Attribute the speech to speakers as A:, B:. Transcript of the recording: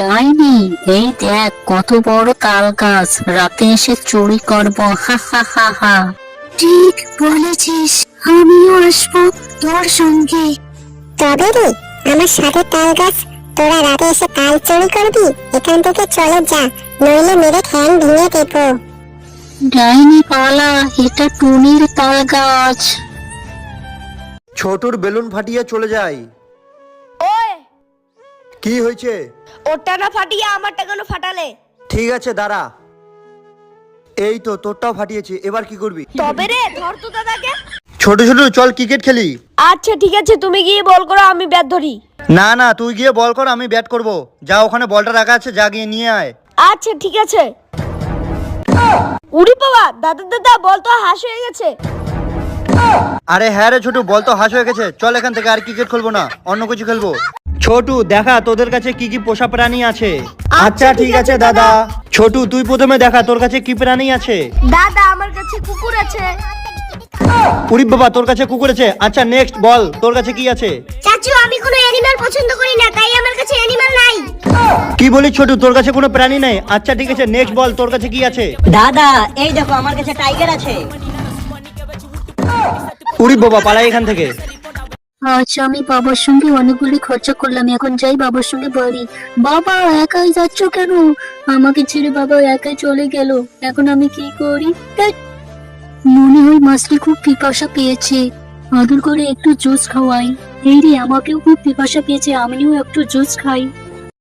A: ডাইনি, এই দেখ কত বড় তাল গাছ, রাতে এসে চুরি করবো, হা হা হা হা। ঠিক বলেছিস, আমিও আসবো তোর সঙ্গে।
B: তবে রে, আমার সাথে তাল গাছ, তোরা রাতে এসে তাল চুরি করবি? এখান থেকে চলে যা, নইলে মেরে ঠ্যাং ভেঙে দেবো।
A: ডাইনি পালা, এটা টুনির তাল গাছ।
C: ছোটুর বেলুন ফাটিয়ে চলে যায়।
D: ওই,
C: কি হয়েছে?
D: ওটা না ফাটিয়ে আমারটা কেন ফাটালে?
C: ঠিক আছে দাঁড়া। এই তো তোরটাও ফাটিয়েছি, এবার কি করবি?
D: তবে রে, ধর তো দাদাকে।
C: ছোট ছোট চল ক্রিকেট খেলি।
D: আচ্ছা ঠিক আছে, তুমি গিয়ে বল করো, আমি ব্যাট ধরি।
C: না না, তুই গিয়ে বল কর, আমি ব্যাট করব। যা, ওখানে বলটা রাখা আছে, যা গিয়ে নিয়ে আয়।
D: আচ্ছা ঠিক আছে। উড়ি বাবা, দাদা দাদা, বল তো হাস হয়ে গেছে।
C: আরে হ্যাঁ রে ছোটু, বল তো হাস হয়ে গেছে। চল এখান থেকে, আর ক্রিকেট খেলবো না, অন্য কিছু খেলবো। ছোটু দেখা তোদের কাছে কি কি পোষা প্রাণী আছে। আচ্ছা ঠিক আছে দাদা। ছোটু তুই প্রথমে দেখা তোর কাছে কি প্রাণী আছে।
D: দাদা, আমার কাছে কুকুর আছে।
C: উরি বাবা, তোর কাছে কুকুর আছে। আচ্ছা নেক্সট বল, তোর কাছে কি আছে?
B: চাচু, আমি কোনো অ্যানিমাল পছন্দ করি না, তাই আমার কাছে অ্যানিমাল নাই।
C: কি বলিস ছোটু, তোর কাছে কোনো প্রাণী নেই? আচ্ছা ঠিক আছে, নেক্সট বল, তোর কাছে কি আছে?
E: দাদা, এই দেখো আমার কাছে টাইগার আছে।
C: উরি বাবা, পালাই এখান থেকে।
A: আচ্ছা, আমি বাবার সঙ্গে অনেকগুলি খরচা করলাম, এখন যাই বাবার সঙ্গে বাড়ি। বাবা, একাই যাচ্ছ কেন? আমাকে ছেড়ে বাবা একাই চলে গেল, এখন আমি কি করি? ধ্যাৎ, মনে হয় মাছটি খুব পিপাসা পেয়েছে, আদর করে একটু জুস খাওয়াই। এই রে, আমাকেও খুব পিপাসা পেয়েছে, আমিও একটু জুস খাই।